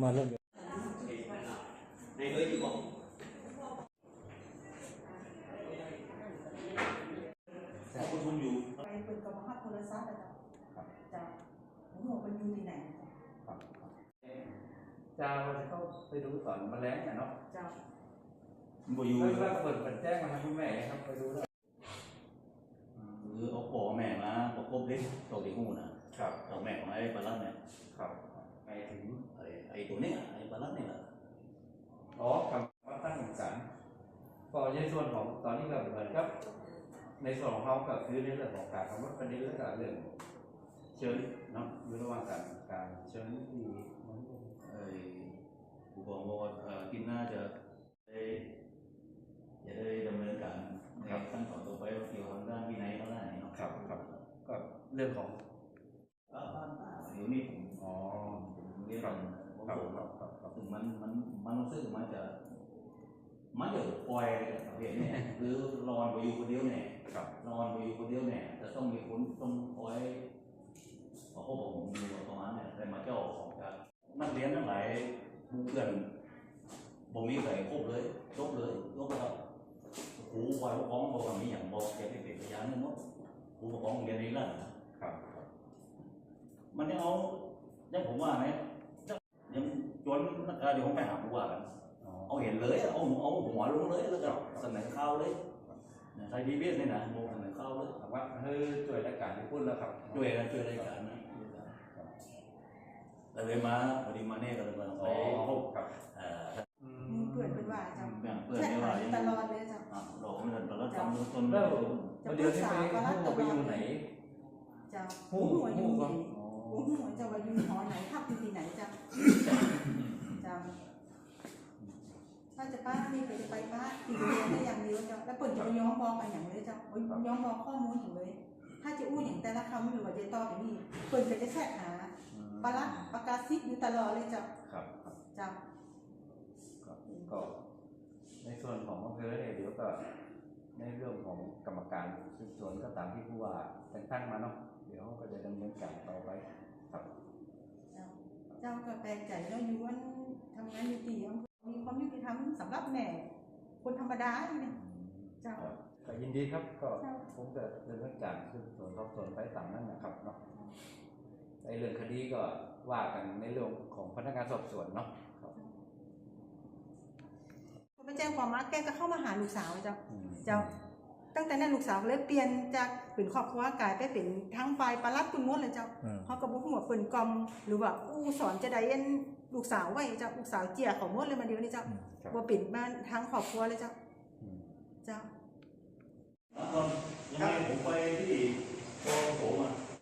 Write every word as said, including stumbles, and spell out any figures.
มาเริ่มในเลยอยู่บอกแต่คนทุนอยู่ไปเปิดกรรมพัฒน์โทรศัพท์อะจ้ะหนูมันอยู่ที่ไหนจะจะเข้าไปดูสอนแมลงเนี่ยเนาะจ้ะบ่อยู่เลยว่าเปิดเปิดแจ้งมาให้คุณแม่ครับไปดูแล้วหรือเอาพ่อแม่มาประกบเล็กตัวที่หูนะครับตัวแม่ของไอ้ปลาลัดเนี่ยครับไปถึงไอ้ไอ้ตัวนี้ไอ้ปลาลัดนี่แหละอ๋อคำว่าตั้งสารก็ในส่วนของตอนนี้ก็เหมือนครับในส่วนของเขาก็คือในเรื่องของการทำวัดประเด็นเรื่องการเรื่องเชิญเนาะอยู่ระหว่างการการเชิญที่ไอ้ผู้กองบอกว่ากินน่าจะได้จะได้ดำเนินการในขั้นตอนต่อไปเกี่ยวกับด้านวินัยเขาได้เนาะครับครับก็เรื่องของบ้านป่าเดี๋ยวนี้ผมอ๋อเรียนครับครับครับครับถึงมันมันมันรู้สึกมันจะมันจะปล่อยประเภทนี้หรือรอนไปอยู่คนเดียวเนี่ยรอนไปอยู่คนเดียวเนี่ยจะต้องมีคนต้องคอยขอพบผมอยู่ประมาณเนี่ยแต่มาเจ้าของการนักเรียนทั้งหลายเพื่อนผมมีใส่ครบเลยยกเลยยกครับครูคอยปกครองบอกว่ามีอย่างบอกแกเป็นเป็นพยานนึงมั้งครูปกครองเรียนนี้แล้วครับมันยังเอายังผมว่าไหมยังจนนักการเดี๋ยวผมไปหาผู้ว่ากันเอาเห็นเลยเอาเอาหัวลงเลยแล้วก็เสนอข้าวเลยใครดีเบี้ยนี่นะโมเสนอข้าวเลยถามว่าเฮ้ยช่วยรายการที่พูดแล้วครับช่วยนะช่วยรายการนะเลยมาพอดีมาเนี่ยก็เลยมาอ๋อครับเพื่อนเป็นว่าจ้ะเพื่อนไม่ว่าตลอดเลยจ้ะเราไม่ทันตลอดทำจนแล้วเดี๋ยวนี้ไปหูไปอยู่ไหนจ้ะหูหัวอยู่หูหัวจะว่าอยู่หอไหนพักอยู่ที่ไหนจ้ะจ้ะถ้าจะป้านี่ไปจะไปป้าตีเรียนได้อย่างเดียวจ้ะแล้วเปิดจะย้อมบอกอะไรอย่างเลยจ้ะย้อมบอกข้อมูลอย่างเลยถ้าจะอู้อย่างแต่ละคำหรือว่าจะต่อไปนี่เปิดจะแทรกหาปลัดประกาศซิกอยู่ตลอดเลยจ้ะครับจ้ะก็ในส่วนของอำเภอเนี่ยเดี๋ยวก็ในเรื่องของกรรมการสืบสวนก็ตามที่ผู้ว่าแต่งตั้งมาเนาะเดี๋ยวก็จะดำเนินการต่อไปครับเจ้าก็แปลกใจแล้วอยู่วันทำงานอยู่ที่มีความยุติธรรมสำหรับแม่คนธรรมดาเนี่ยเจ้าก็ยินดีครับก็ผมจะดำเนินการสืบสวนสอบสวนไปตามนั้นนะครับเนาะในเรื่องคดีก็ว่ากันในเรื่องของพนักงานสอบสวนเนาะไปแจ้งความมาแกก็เข้ามาหาลูกสาวเจ้าเจ้าตั้งแต่นั้นลูกสาวเลยเปลี่ยนจากเป็นครอบครัวกลายไปเป็นทั้งฝ่ายปลัดคุณมดเลยเจ้าเขาก็บอกหัวเปิ่นกอมหรือว่าอู้สอนจะได้เอ็นลูกสาวไว้เจ้าลูกสาวเจียของมดเลยมาเดียวนี่เจ้าว่าเป็นบ้านทั้งครอบครัวเลยเจ้าเจ้าตอนยังไงผมไปที่